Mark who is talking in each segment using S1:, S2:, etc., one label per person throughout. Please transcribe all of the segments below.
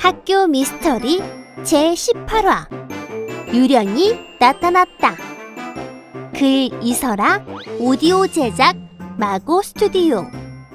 S1: 학교 미스터리 제18화 유령이 나타났다. 글 이설아, 오디오 제작 마고 스튜디오.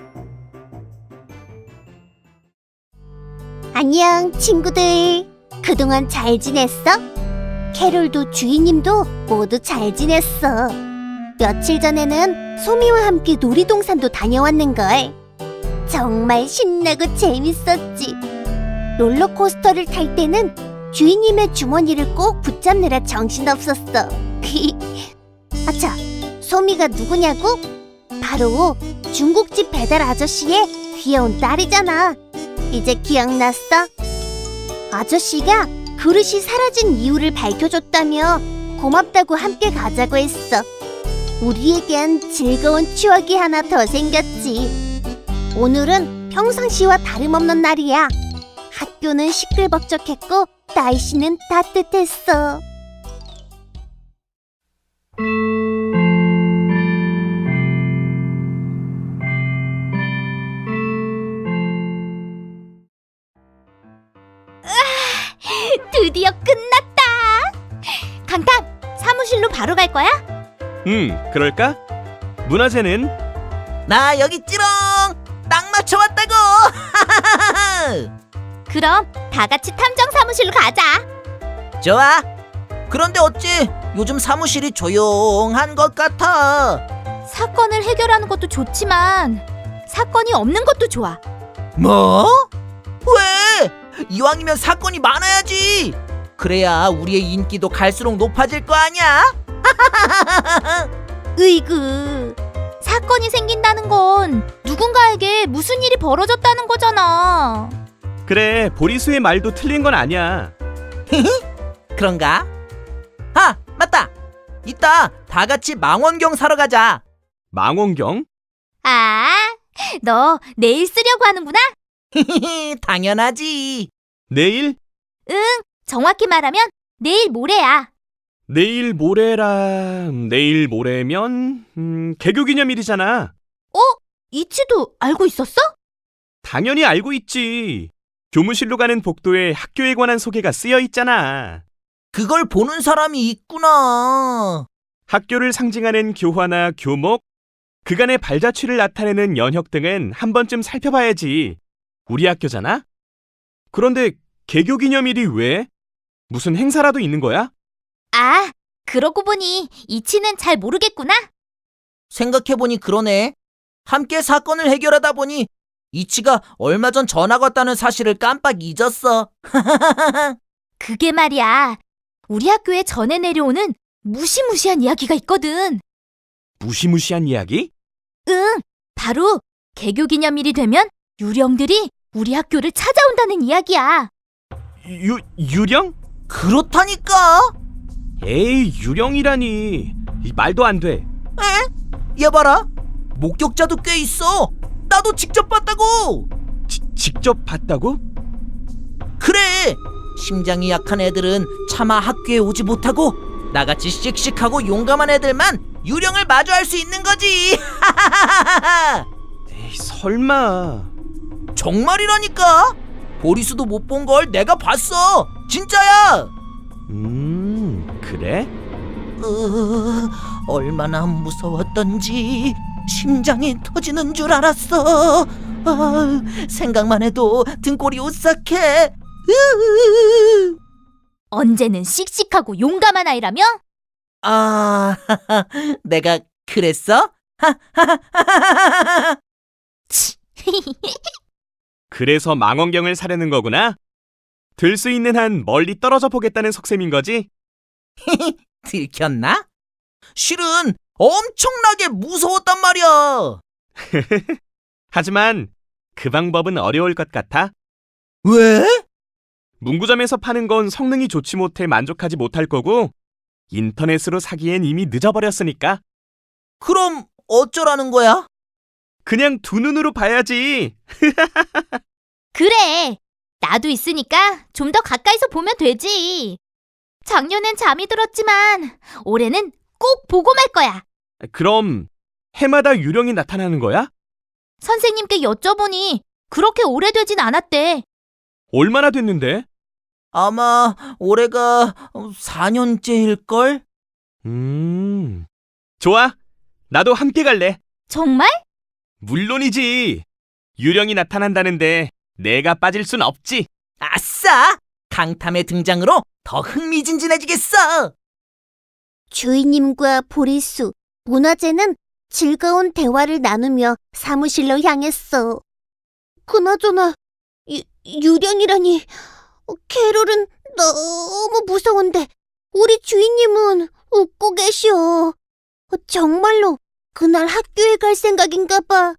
S1: 안녕 친구들, 그동안 잘 지냈어? 캐롤도 주인님도 모두 잘 지냈어. 며칠 전에는 소미와 함께 놀이동산도 다녀왔는걸. 정말 신나고 재밌었지. 롤러코스터를 탈 때는 주인님의 주머니를 꼭 붙잡느라 정신없었어. 아차, 소미가 누구냐고? 바로 중국집 배달 아저씨의 귀여운 딸이잖아. 이제 기억났어? 아저씨가 그릇이 사라진 이유를 밝혀줬다며 고맙다고 함께 가자고 했어. 우리에겐 즐거운 추억이 하나 더 생겼지. 오늘은 평상시와 다름없는 날이야. 학교는 시끌벅적했고 날씨는 따뜻했어. 드디어 끝났다. 강탁, 사무실로 바로 갈 거야?
S2: 그럴까? 문화재는?
S3: 나 여기 찌롱! 딱 맞춰 왔다고!
S1: 그럼 다 같이 탐정 사무실로 가자.
S3: 좋아. 그런데 어찌 요즘 사무실이 조용한 것 같아.
S1: 사건을 해결하는 것도 좋지만 사건이 없는 것도 좋아.
S3: 뭐? 왜? 이왕이면 사건이 많아야지. 그래야 우리의 인기도 갈수록 높아질 거 아니야?
S1: 으이그, 사건이 생긴다는 건 누군가에게 무슨 일이 벌어졌다는 거잖아.
S2: 그래, 보리수의 말도 틀린 건 아니야.
S3: 그런가? 아, 맞다. 이따 다 같이 망원경 사러 가자.
S2: 망원경?
S1: 아, 너 내일 쓰려고 하는구나?
S3: 당연하지.
S2: 내일?
S1: 응, 정확히 말하면 내일 모레야.
S2: 내일 모레면 개교기념일이잖아.
S1: 이치도 알고 있었어?
S2: 당연히 알고 있지. 교무실로 가는 복도에 학교에 관한 소개가 쓰여 있잖아.
S3: 그걸 보는 사람이 있구나.
S2: 학교를 상징하는 교화나 교목, 그간의 발자취를 나타내는 연혁 등은 한 번쯤 살펴봐야지. 우리 학교잖아? 그런데 개교기념일이 왜? 무슨 행사라도 있는 거야?
S1: 아, 그러고 보니 이치는 잘 모르겠구나.
S3: 생각해보니 그러네. 함께 사건을 해결하다 보니 이치가 얼마 전 전학 왔다는 사실을 깜빡 잊었어.
S1: 그게 말이야, 우리 학교에 전해 내려오는 무시무시한 이야기가 있거든.
S2: 무시무시한 이야기?
S1: 응, 바로 개교기념일이 되면 유령들이 우리 학교를 찾아온다는 이야기야.
S2: 유령?
S3: 그렇다니까.
S2: 에이, 유령이라니. 이 말도 안 돼.
S3: 얘 봐라. 목격자도 꽤 있어. 나도 직접 봤다고.
S2: 직접 봤다고?
S3: 그래. 심장이 약한 애들은 차마 학교에 오지 못하고 나같이 씩씩하고 용감한 애들만 유령을 마주할 수 있는 거지.
S2: 에이, 설마.
S3: 정말이라니까. 보리수도 못 본 걸 내가 봤어. 진짜야.
S2: 그래?
S3: 얼마나 무서웠던지 심장이 터지는 줄 알았어. 생각만 해도 등골이 오싹해.
S1: 언제는 씩씩하고 용감한 아이라며?
S3: 아, 내가 그랬어?
S2: 그래서 망원경을 사려는 거구나? 들 수 있는 한 멀리 떨어져 보겠다는 속셈인 거지?
S3: 들켰나? 실은 엄청나게 무서웠단 말이야.
S2: 하지만 그 방법은 어려울 것 같아.
S3: 왜?
S2: 문구점에서 파는 건 성능이 좋지 못해 만족하지 못할 거고 인터넷으로 사기엔 이미 늦어버렸으니까
S3: 그럼 어쩌라는 거야?
S2: 그냥 두 눈으로 봐야지.
S1: 그래, 나도 있으니까 좀 더 가까이서 보면 되지. 작년엔 잠이 들었지만 올해는 꼭 보고 말 거야.
S2: 그럼 해마다 유령이 나타나는 거야?
S1: 선생님께 여쭤보니 그렇게 오래되진 않았대.
S2: 얼마나 됐는데?
S3: 아마 올해가 4년째일걸?
S2: 좋아. 나도 함께 갈래.
S1: 정말?
S2: 물론이지. 유령이 나타난다는데 내가 빠질 순 없지.
S3: 아싸! 강탐의 등장으로 더 흥미진진해지겠어!
S4: 주인님과 보리수, 문화재는 즐거운 대화를 나누며 사무실로 향했어. 그나저나 유령이라니, 캐롤은 너무 무서운데 우리 주인님은 웃고 계셔. 정말로 그날 학교에 갈 생각인가 봐.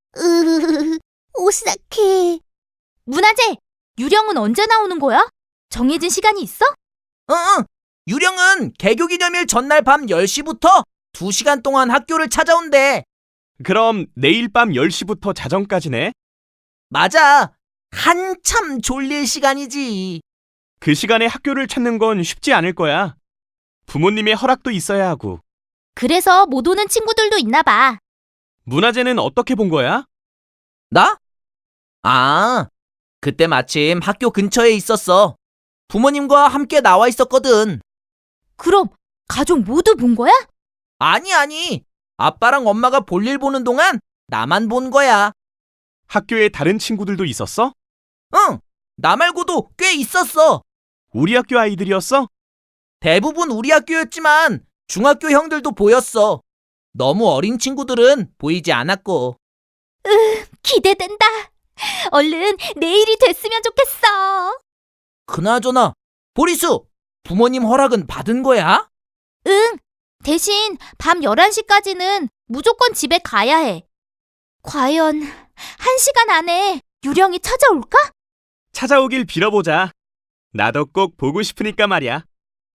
S4: 오싹해.
S1: 문화재, 유령은 언제 나오는 거야? 정해진 시간이 있어?
S3: 응, 유령은 개교기념일 전날 밤 10시부터 2시간 동안 학교를 찾아온대.
S2: 그럼 내일 밤 10시부터 자정까지네.
S3: 맞아. 한참 졸릴 시간이지.
S2: 그 시간에 학교를 찾는 건 쉽지 않을 거야. 부모님의 허락도 있어야 하고.
S1: 그래서 못 오는 친구들도 있나 봐.
S2: 문화재는 어떻게 본 거야?
S3: 나? 아, 그때 마침 학교 근처에 있었어. 부모님과 함께 나와 있었거든.
S1: 그럼 가족 모두 본 거야?
S3: 아니. 아빠랑 엄마가 볼일 보는 동안 나만 본 거야.
S2: 학교에 다른 친구들도 있었어?
S3: 응, 나 말고도 꽤 있었어.
S2: 우리 학교 아이들이었어?
S3: 대부분 우리 학교였지만 중학교 형들도 보였어. 너무 어린 친구들은 보이지 않았고.
S1: 기대된다. 얼른 내일이 됐으면 좋겠어.
S3: 그나저나 보리수, 부모님 허락은 받은 거야?
S1: 응. 대신 밤 11시까지는 무조건 집에 가야 해. 과연 1시간 안에 유령이 찾아올까?
S2: 찾아오길 빌어보자. 나도 꼭 보고 싶으니까 말이야.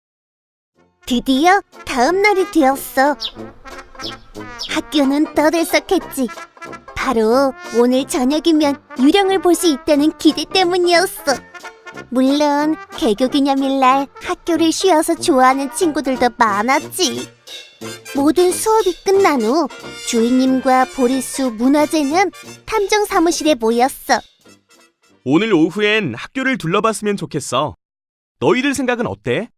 S4: 드디어 다음 날이 되었어. 학교는 떠들썩했지. 바로 오늘 저녁이면 유령을 볼 수 있다는 기대 때문이었어. 물론 개교기념일날 학교를 쉬어서 좋아하는 친구들도 많았지. 모든 수업이 끝난 후 주인님과 보리수, 문화재는 탐정 사무실에 모였어.
S2: 오늘 오후엔 학교를 둘러봤으면 좋겠어. 너희들 생각은 어때?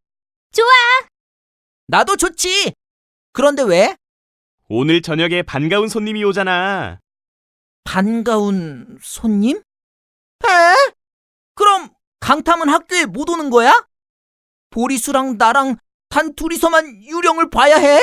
S3: 나도 좋지. 그런데 왜?
S2: 오늘 저녁에 반가운 손님이 오잖아.
S3: 반가운 손님? 에? 그럼 강탐은 학교에 못 오는 거야? 보리수랑 나랑 단 둘이서만 유령을 봐야 해?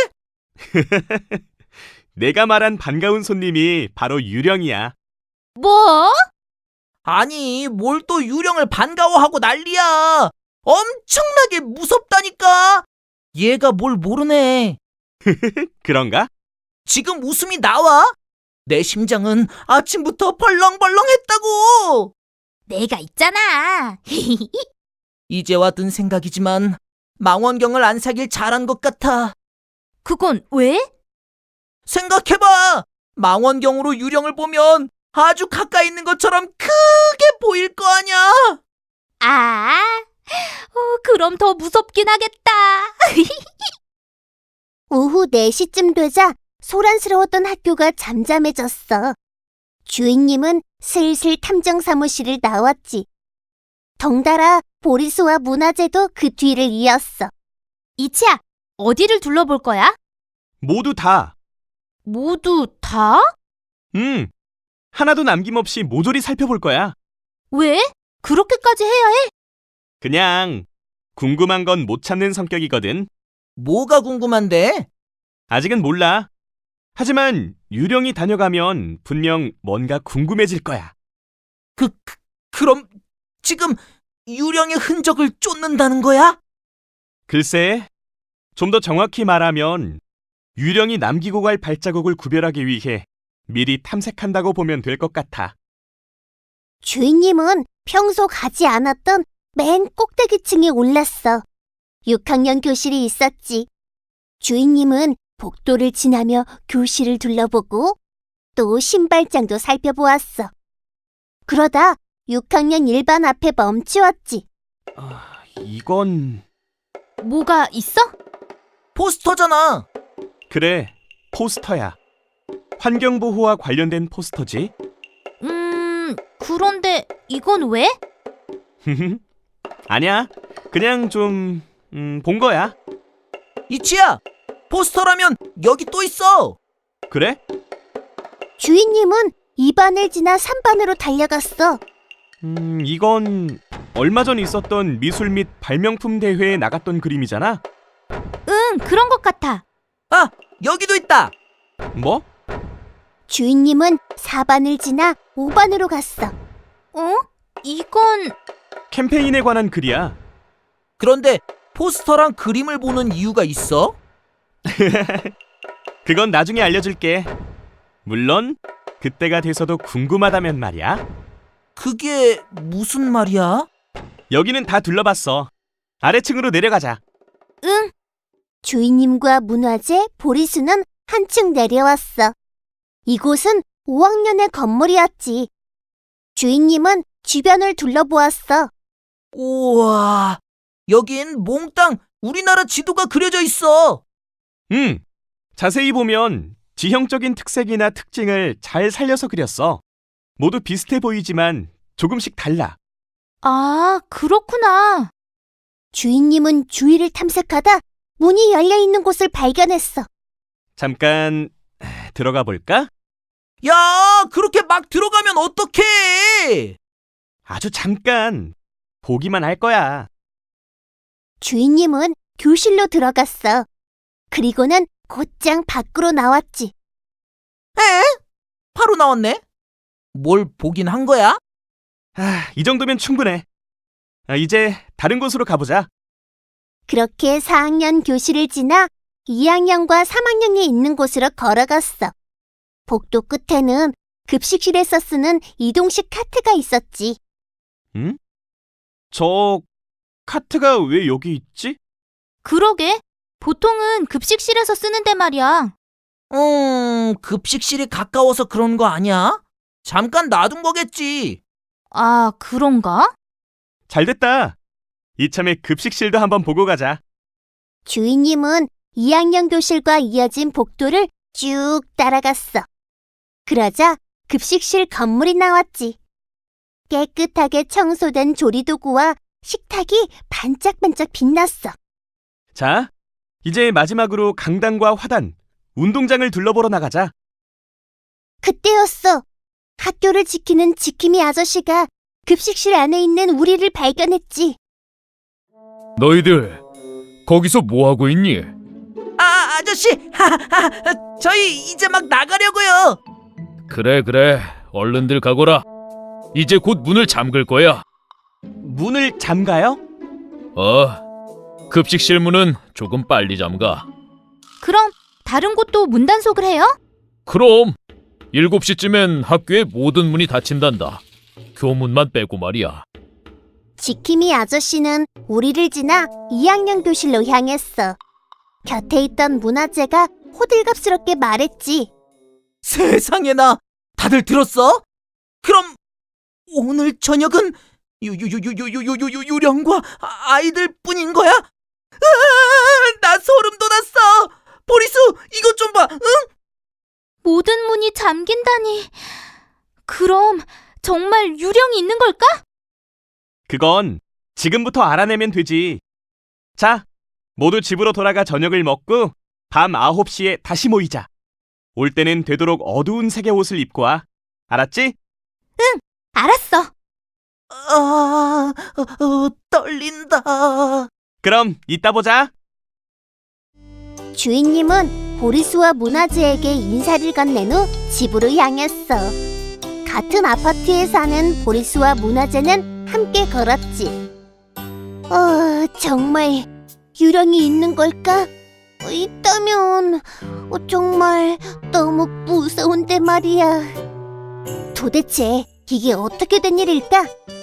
S2: 내가 말한 반가운 손님이 바로 유령이야.
S1: 뭐?
S3: 아니, 뭘 또 유령을 반가워하고 난리야. 엄청나게 무섭다니까. 얘가 뭘 모르네.
S2: 그런가?
S3: 지금 웃음이 나와? 내 심장은 아침부터 벌렁벌렁했다고.
S1: 내가 있잖아.
S3: 이제와 든 생각이지만 망원경을 안 사길 잘한 것 같아.
S1: 그건 왜?
S3: 생각해봐. 망원경으로 유령을 보면 아주 가까이 있는 것처럼 크게 보일 거 아냐.
S1: 그럼 더 무섭긴 하겠다.
S4: 오후 4시쯤 되자 소란스러웠던 학교가 잠잠해졌어. 주인님은 슬슬 탐정 사무실을 나왔지. 덩달아 보리수와 문화재도 그 뒤를 이었어.
S1: 이치야, 어디를 둘러볼 거야?
S2: 모두 다.
S1: 모두 다?
S2: 하나도 남김없이 모조리 살펴볼 거야.
S1: 왜? 그렇게까지 해야 해?
S2: 그냥 궁금한 건 못 참는 성격이거든.
S3: 뭐가 궁금한데?
S2: 아직은 몰라. 하지만 유령이 다녀가면 분명 뭔가 궁금해질 거야.
S3: 그럼 지금 유령의 흔적을 쫓는다는 거야?
S2: 글쎄, 좀 더 정확히 말하면 유령이 남기고 갈 발자국을 구별하기 위해 미리 탐색한다고 보면 될 것 같아.
S4: 주인님은 평소 가지 않았던 맨 꼭대기층에 올랐어. 6학년 교실이 있었지. 주인님은 복도를 지나며 교실을 둘러보고 또 신발장도 살펴보았어. 그러다 6학년 1반 앞에 멈추었지.
S2: 이건...
S1: 뭐가 있어?
S3: 포스터잖아.
S2: 그래, 포스터야. 환경보호와 관련된 포스터지.
S1: 그런데 이건 왜?
S2: 아니야. 그냥 좀 본 거야.
S3: 이치야, 포스터라면 여기 또 있어.
S2: 그래?
S4: 주인님은 2반을 지나 3반으로 달려갔어.
S2: 이건 얼마 전 있었던 미술 및 발명품 대회에 나갔던 그림이잖아.
S1: 응, 그런 것 같아.
S3: 아, 여기도 있다.
S2: 뭐?
S4: 주인님은 4반을 지나 5반으로 갔어.
S1: 어? 이건
S2: 캠페인에 관한 글이야.
S3: 그런데 포스터랑 그림을 보는 이유가 있어?
S2: 그건 나중에 알려줄게. 물론 그때가 돼서도 궁금하다면 말이야.
S3: 그게 무슨 말이야?
S2: 여기는 다 둘러봤어. 아래층으로 내려가자.
S1: 응.
S4: 주인님과 문화재, 보리수는 한층 내려왔어. 이곳은 5학년의 건물이었지. 주인님은 주변을 둘러보았어.
S3: 우와, 여긴 몽땅 우리나라 지도가 그려져 있어.
S2: 자세히 보면 지형적인 특색이나 특징을 잘 살려서 그렸어. 모두 비슷해 보이지만 조금씩 달라.
S1: 아, 그렇구나.
S4: 주인님은 주위를 탐색하다 문이 열려있는 곳을 발견했어.
S2: 잠깐 들어가 볼까?
S3: 야, 그렇게 막 들어가면 어떡해?
S2: 아주 잠깐 보기만 할 거야.
S4: 주인님은 교실로 들어갔어. 그리고는 곧장 밖으로 나왔지.
S3: 바로 나왔네. 뭘 보긴 한 거야?
S2: 이 정도면 충분해. 이제 다른 곳으로 가보자.
S4: 그렇게 4학년 교실을 지나 2학년과 3학년이 있는 곳으로 걸어갔어. 복도 끝에는 급식실에서 쓰는 이동식 카트가 있었지.
S2: 응? 저 카트가 왜 여기 있지?
S1: 그러게. 보통은 급식실에서 쓰는데 말이야.
S3: 급식실이 가까워서 그런 거 아니야? 잠깐 놔둔 거겠지.
S1: 아, 그런가?
S2: 잘됐다. 이참에 급식실도 한번 보고 가자.
S4: 주인님은 2학년 교실과 이어진 복도를 쭉 따라갔어. 그러자 급식실 건물이 나왔지. 깨끗하게 청소된 조리도구와 식탁이 반짝반짝 빛났어.
S2: 자, 이제 마지막으로 강당과 화단, 운동장을 둘러보러 나가자.
S4: 그때였어. 학교를 지키는 지킴이 아저씨가 급식실 안에 있는 우리를 발견했지.
S5: 너희들 거기서 뭐 하고 있니?
S3: 아저씨, 저희 이제 막 나가려고요.
S5: 그래, 얼른들 가거라. 이제 곧 문을 잠글 거야.
S2: 문을 잠가요?
S5: 급식실 문은 조금 빨리 잠가.
S1: 그럼 다른 곳도 문 단속을 해요?
S5: 그럼 7시쯤엔 학교의 모든 문이 닫힌단다. 교문만 빼고 말이야.
S4: 지킴이 아저씨는 우리를 지나 2학년 교실로 향했어. 곁에 있던 문화재가 호들갑스럽게 말했지.
S3: 세상에나, 다들 들었어? 그럼 오늘 저녁은 유령과 아이들 뿐인 거야? 나 소름 돋았어. 보리수, 이것 좀 봐. 응?
S1: 모든 문이 잠긴다니. 그럼 정말 유령이 있는 걸까?
S2: 그건 지금부터 알아내면 되지. 자, 모두 집으로 돌아가 저녁을 먹고 밤 9시에 다시 모이자. 올 때는 되도록 어두운 색의 옷을 입고 와. 알았지?
S1: 알았어.
S3: 떨린다.
S2: 그럼 이따 보자.
S4: 주인님은 보리수와 문화재에게 인사를 건넨 후 집으로 향했어. 같은 아파트에 사는 보리수와 문화재는 함께 걸었지. 정말 유령이 있는 걸까? 있다면 정말 너무 무서운데 말이야. 도대체 이게 어떻게 된 일일까?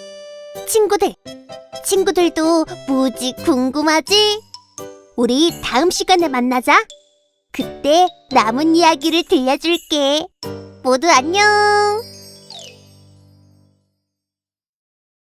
S4: 친구들도 무지 궁금하지? 우리 다음 시간에 만나자. 그때 남은 이야기를 들려줄게. 모두 안녕.